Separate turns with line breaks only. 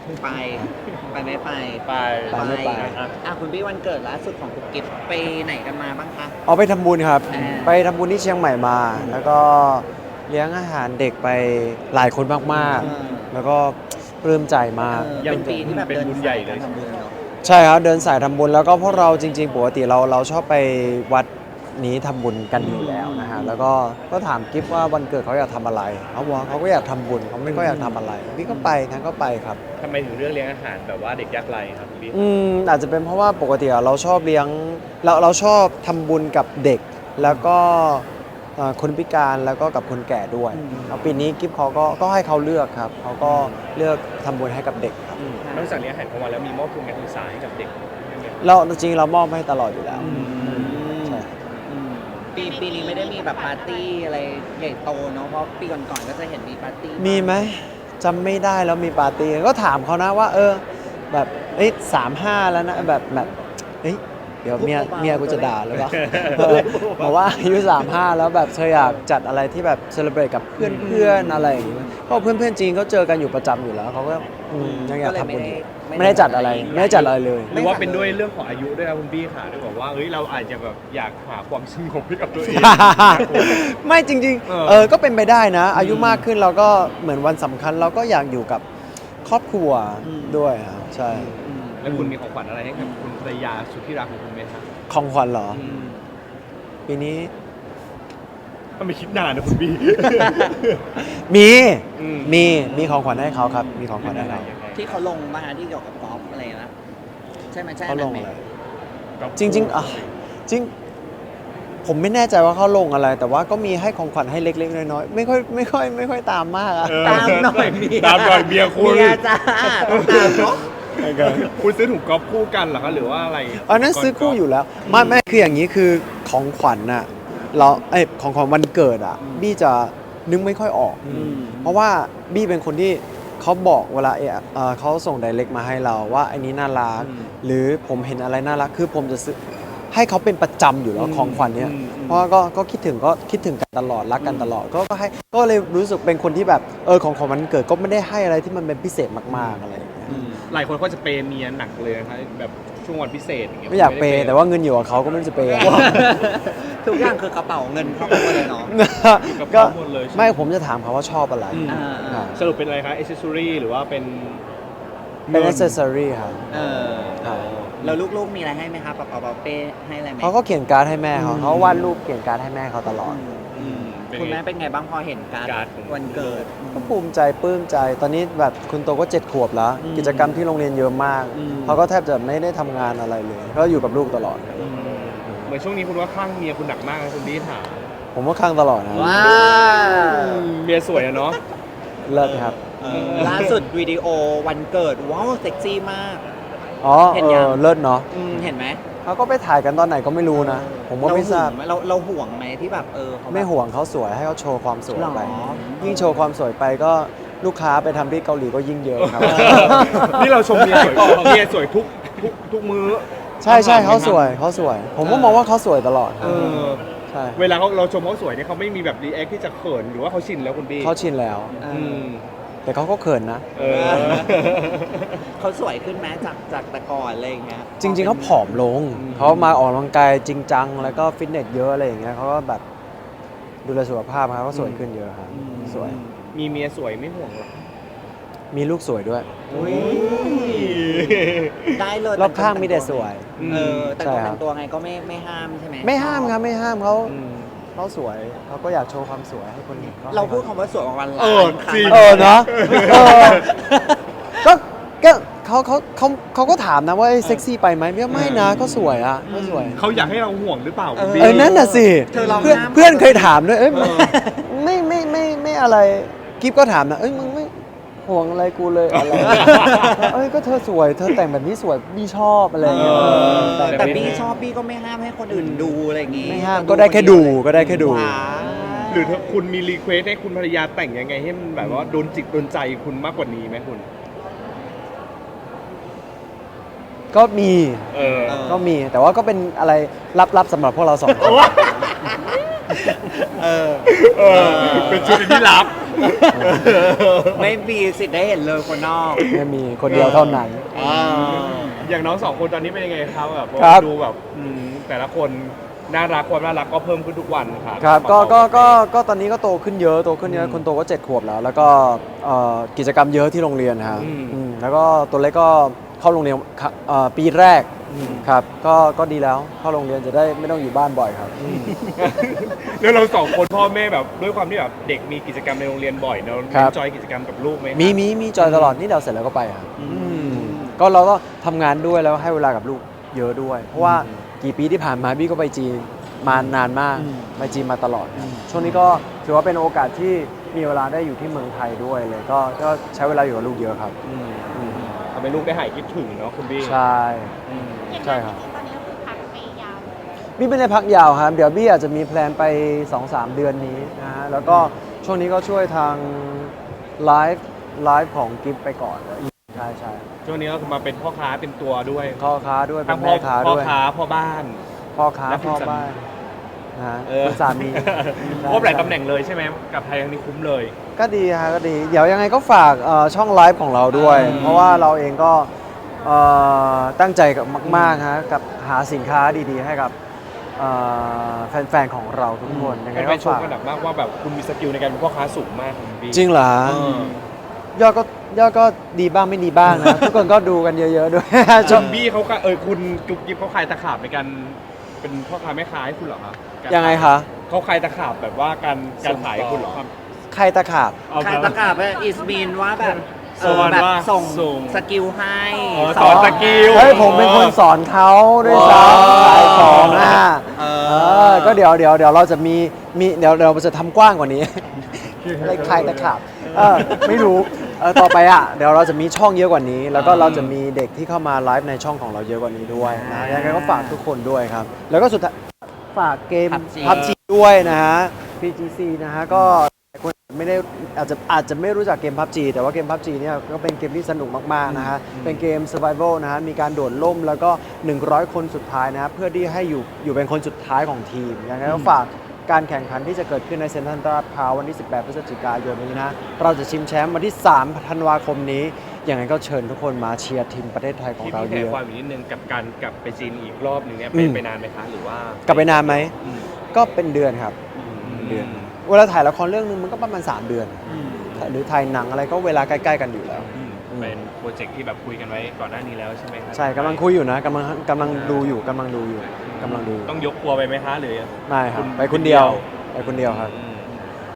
ไปไม่ไป
ไป
ไม่ไป
คุณพี่วันเกิดล่าสุดของคุณกิฟต์ไปไหนกันมาบ้างคะ
เอาไปทำบุญครับ
อ่า
ไปทำบุญที่เชียงใหม่มา แล้วก็เลี้ยงอาหารเด็กไปหลายคนมากๆ แล้วก็ปลื้มใจมาก
เป็นปีที่แบบเดินสายการทำบุญเนาะ
ใช่ครับเดินสายทำบุญแล้วก็พวกเราจริงๆปกติเราชอบไปวัดนี้ทำบุญกันอยู่แล้วนะฮะแล้วก็ถามกิฟว่าวันเกิดเขาอยากทำอะไรเขาบอกว่าเขาก็อยากทำบุญเขาไม่ก็อยากทำอะไรพี่ก็ไปงั้นก็ไปครับ
ทำไมถึงเลือกเลี้ยงอาหารแบบว่าเด็กยากไร้ครับคุณพี่
อาจจะเป็นเพราะว่าปกติเราชอบเลี้ยงเราชอบทำบุญกับเด็ก แล้วก็คนพิการแล้วก็กับคนแก่ด้วยแล้วปีนี้กิฟเขาก็ให้เขาเลือกครับเขาก็เลือกทำบุญให้กับเด็กครับ
นอกจากเลี้ยงอาหารกลางวันแล้วมีมอบทุนการศึกษาให้กับเด็กด้วยไหม
เราจริงเรามอบให้ตลอดอยู่แล้วใช่
ปีนี้ไม่ได้มีแบบปาร์ตี้อะไรใหญ่โตเนาะเพราะปีก่อนๆก็จะเห็นมีปาร์ตี้
มีไหมจำไม่ได้แล้วมีปาร์ตี้ก็ถามเขานะว่าแบบ35แล้วนะแบบเฮ้ยเดี๋ยวเมียกูจะด่าหรือเปล่า บอกว่าอายุ35แล้วแบบเธออยากจัดอะไรที่แบบเซเลบรตกับเพื่อนๆอะไรอย่างงี้เพราะเพื่อนๆจีนเขาเจอกันอยู่ประจำอยู่แล้วเขาก็ยังอยากทำบุญอยู่ไม่ได้จัดอะไรเลย
หรือว่าเป็นด้วยเรื่องของอายุด้วยครับคุณพี่ค่ะด้วยบอกว่าเราอาจจะแบบอยากหาความสงบให้กับตัวเอง
ไม่จริงก็เป็นไปได้นะ อายุมากขึ้นเราก็เหมือนวันสำคัญเราก็อยากอยู่กับครอบครัวด้วยครับใช่
แล้วคุณมีของขวัญอะไรให้กับคุณภรรยาสุดที่รักของคุณไหมครับ
ของขวัญเหรอปีนี้
ถ้าไม่คิดนานนะคุณพี่
มี
อืม
มีของขวัญให้เขาครับ มีของขวัญให้เขา
ที่เขาลงมาที่เกี่ยวกับกอล์ฟอะไรนะใช่ไหมใช่
เขาลง
ไหม
อะไรจริงจริง ผมไม่แน่ใจว่าเขาลงอะไร แต่ว่าก็มีให้ของขวัญให้เล็กๆน้อยๆไม่ค่อยตามมากอะ
ตามหน่อย
ตามหน่อยเมียคุณ
เมียจ้าต้องตามเนาะ
คุณซื้อถุงกอล์ฟคู่กันเหรอคะหรือว่าอะไร
อันนั้นซื้อคู่อยู่แล้วไม่คืออย่างนี้คือของขวัญน่ะของขวัญวันเกิดอ่ะบี้จะนึกไม่ค่อยออก เพราะว่าบี้เป็นคนที่เขาบอกเวลาเขาส่งไดเรกมาให้เราว่าอันนี้น่ารักหรือผมเห็นอะไรน่ารักคือผมจะซื้อให้เขาเป็นประจำอยู่แล้วของขวัญเนี้ยเพราะว่าก็คิดถึงกันตลอดรักกันตลอดก็ให้ก็เลยรู้สึกเป็นคนที่แบบของวันเกิดก็ไม่ได้ให้อะไรที่มันเป็นพิเศษมากๆอะไรอย่างเงี้ย
หลายคนก็จะเปย์เมียหนักเลยนะคะแบบช่วงวันพิเศษอย่างเงี้ย
ไม่อยากเปย์แต่ว่าเงินอยู่กับเขาก็ไม่รู้จะเปย์
ทุกอย่างคือกระเป๋าเงินครอบครัวเลยเนาะ
ก็
หมดเลยใช่ห
ไม่ผมจะถามเขาว่าชอบอะไร
สรุปเป็นอะไรคะ accessory หรือว่าเป็น
เป็น accessory ครับ ครับ
แล้วลูกๆมีอะไรให้ไหมคะป๊าป๊าเป้ให้อะไรไหม
เขาก็เขียนการ์ดให้แม่เขาวาดรูปเขียนการ์ดให้แม่เขาตลอด
คุณแม่เป็นไงบ้างพอเห็นการ์ดวันเกิด
ก็ภูมิใจปลื้มใจ ตอนนี้แบบคุณโตก็7 ขวบแล้ว กิจกรรมที่โรงเรียนเยอะมาก เขาก็แทบจะไม่ได้ทำงานอะไรเลย ก็อยู่กับลูกตลอด
เหมือนช่วงนี้คุณว่าข้างเมียคุณหนักมากนะคุณพี่ถาม
ผมว่าข้างตลอดนะ
ว้าว
เมียสวยอะเนาะ
เลิศครับ
ล่าสุดวิดีโอวันเกิดว้าวเซ็กซี่มาก
อ๋อ
เห็นยัง
เลิศเนาะ
เห็นไหม
เขาก็ไปถ่ายกันตอนไหนก็ไม่รู้นะ ผมว่าไม่ทราบ
เราห่วงไหมที่แบบเขาแบบ
ไม่ห่วงเขาสวยให้เขาโชว์ความสวยไป
หรอ
ยิ่งโชว์ความสวยไปก็ลูกค้าไปทำที่เกาหลีก็ยิ่งเยอะครับ
นี่เราชมเมียสวยเมียสวยทุกมื้อ
ใช่เขาสวย ผมก็มองว่าเขาสวยตลอดครับใช่
เวลาเราชมเขาสวยเนี่ยเขาไม่มีแบบรีแอคที่จะเขินหรือว่าเขาชินแล้วคุณพี่
เขาชินแล้ว แต่เขาก็เขินนะ
เขาสวยขึ้นไหมจากแต่ก่อนอะไรอย่างเงี้ย
จริง ๆเขาผอมลง เขามาออกกำลังกายจริงจังแล้วก็ฟิตเนสเยอะอะไรอย่างเงี้ยเขาก็แบบดูแลสุขภาพครับก็สวยขึ้นเยอะครับสวย
มีเมียสวยไม่ห่วงหรอ
มีลูกสวยด้วย
ได้เลย
รอบข้างมีแต่สวย
แต่
ใช่
ตัว
ครั
แต่
บ
งตัวไงก็ไม่ห้ามใช่ไหม
ไม่ห้ามครับไม่ห้ามเขาสวยเขาก็อยากโชว์ความสวยให้คนเห็นก็
เราพูดคำว่าสวยประมาณ
เออจริง
เนาะก็เขาก็ถามนะว่าเซ็กซี่ไปไหมไม่นะก็สวยอ่ะก็สวย
เขาอยากให้เราห่วงหรือเปล่าคุณพี่
นั่นน่ะสิ
เธอลอง
เพื่อน
ห้าม
เพื่อนเคยถามด้วยไม่อะไรกิฟก็ถามนะมึงไม่ห่วงอะไรกูเลยอะไรก็เธอสวยเธอแต่งแบบนี้สวยบี้ชอบอะไรอย่างเงี้ย
แต่บี้ชอบบี้ก็ไม่ห้ามให้คนอื่นดูอะไรอย่างงี้
ไม่ห้ามก็ได้แค่ดูก็ได้แค่ดู
ว้าว
หรือถ้าคุณมีรีเควสให้คุณภรรยาแต่งยังไงให้มันแบบว่าโดนจิตโดนใจคุณมากกว่านี้ไหมคุณ
ก็มี
ก็
มีแต่ว่าก็เป็นอะไรลับๆสำหรับพวกเราสองคน
เป็นชุดที่ลับ
ไม่มีสิทธิ์ได้เห็นเลยคนนอก
ไม่มีคนเดียวเท่านั้น
อย่างน้องสองคนตอนนี้เป็นยังไงครับแบบ
ครับ
ดูแบบแต่ละคนน่ารักความน่ารักก็เพิ่มขึ้นทุกวันครับ
ครับก็ตอนนี้ก็โตขึ้นเยอะคนโตก็7 ขวบแล้ว แล้วก็กิจกรรมเยอะที่โรงเรียนครับแล้วก็ตัวเล็กก็เข้าโรงเรียนปีแรกครับก็ดีแล้วเข้าโรงเรียนจะได้ไม่ต้องอยู่บ้านบ่อยครับ
แล้วเราสองคนพ่อแม่แบบด้วยความที่แบบเด็กมีกิจกรรมในโรงเรียนบ่อยเนอะ
ครับ
จอยกิจกรรมกับลูกไหมครับ
มีจอยตลอดนี่เราเสร็จแล้วก็ไปครับก็เราก็ทำงานด้วยแล้วให้เวลากับลูกเยอะด้วย เพราะว่ากี่ปีที่ผ่านมาบี้ก็ไปจีนมานานมากไปจีนมาตลอดครับช่วงนี้ก็ถือว่าเป็นโอกาสที่มีเวลาได้อยู่ที่เมืองไทยด้วยเลยก็ใช้เวลาอยู่กับลูกเยอะครับ
ทำให้ลูกได้หายคิดถึงเนาะคุณบี้
ใช่ ใช่ครับ
ตอนนี้ก็คือพักไปยาวเลย
บี้ไม่ได้พักยาวครับเดี๋ยวบี้อาจจะมีแพลนไป 2-3 เดือนนี้นะฮะแล้วก็ช่วงนี้ก็ช่วยทางไลฟ์ของกิฟไปก่อนใช่
ช่วงนี้ก็คือมาเป็นพ่อค้าเป็นตัวด้วย
พ่อค้าด้วยเป็
ทั้
น
ง
แม่ค้า
พ่อ
ด้วย
ค้าพ่อบ้าน
พ่อค้า
และคุณ
พ่อ
สามี
บ้านนะฮะ
เออ
คุณสามี
ครบหลายตำแหน่งเลยใช่ไหมกับไทยครั้งนี้คุ้มเลย
ก็ดีฮะก็ดี เดี๋ยวยังไงก็ฝากช่องไลฟ์ของเราด้วย เพราะว่าเราเองก็ตั้งใจกับมากๆฮะกับหาสินค้าดีๆ ให้กับแฟนๆของเราทุกคนยังไง
ไป
ก็
ชม
ฝาก
กันแบบมากว่าแบบคุณมีสกิลในการเป็นพ่อค้าสูงมากคุณบี้
จริงเหรอ
เออย
อดก็ดีบ้างไม่ดีบ้างนะ ทุกคนก็ดูกันเยอะๆด้วย ช
คุ
ม
ณบี้เขาก็คุณจุ๊บกิ๊บเขาขายตะขาบในการเป็นพ่อค้าแม่ค้าให้คุณเหรอครับ
ยังไงคะ
เขาขายตะขาบแบบว่าการขายให้คุณเหรอครับ
ใครตะขาบ
ใครประกาศว่าอิสมีนว่าแบบ
สอน
แบบ
ว่า
ส่ง
ส่ง
สกิลให้
อ๋อสอนสกิล
เฮ้ยผมเป็นคนสอนเขาด้วยซ้ำขายของก็เดี๋ยวเราจะมีเดี๋ยวเราจะทำกว้างกว่านี้ อะไรใครตะขาบไม่รู้ต่อไปเดี๋ยวเราจะมีช่องเยอะกว่านี้ แล้วก็เราจะมีเด็กที่เข้ามาไลฟ์ในช่องของเราเยอะกว่านี้ด้วยนะยังไงก็ฝากทุกคนด้วยครับ แล้วก็สุดท้ายฝากเกม PUBG ด้วยนะฮะ PGC นะฮะก็คนไม่ได้อาจจะไม่รู้จักเกม PUBG แต่ว่าเกม PUBG เนี่ยก็เป็นเกมที่สนุกมากๆนะฮะเป็นเกม Survival นะฮะมีการโดดล่มแล้วก็100 คนสุดท้ายนะฮะเพื่อที่ให้อยู่เป็นคนสุดท้ายของทีมยังไงก็ฝากการแข่งขันที่จะเกิดขึ้นในเซ็นทรัลลาดพร้าววันที่ 18 พฤศจิกายนนี้นะเราจะชิงแชมป์วันที่ 3 ธันวาคมนี้ยังไงก็เชิญทุกคนมาเชียร์ทีมประเทศไทยของ
ที่
เรา
พี่
เย
แขก
อะ
ความอีกนิดนึงกับการกลับไปจีนอีกรอบหนึ่งเนี่ย
อืม
ไปนานไหมคะหรือว่าก
ลับไปนานไหม
อืม
ก็เป็นเดือนครับเดือนเวลาถ่ายละครเรื่องนึงมันก็ประมาณ3 เดือน หรือถ่ายหนังอะไรก็เวลาใกล้ๆกันอยู่แล้ว
เป็นโปรเจกต์ที่แบบคุยกันไว้ก่อนหน้านี้แล้วใช่ไหมครั
ใช่กำลังคุยอยู่นะกำลังดูอยู่
ต้องยกครัวไปไหมคะหรือ
ไม่ครับ
คุณ
ไปคนเดียวไปคนเดียวครับ
อืม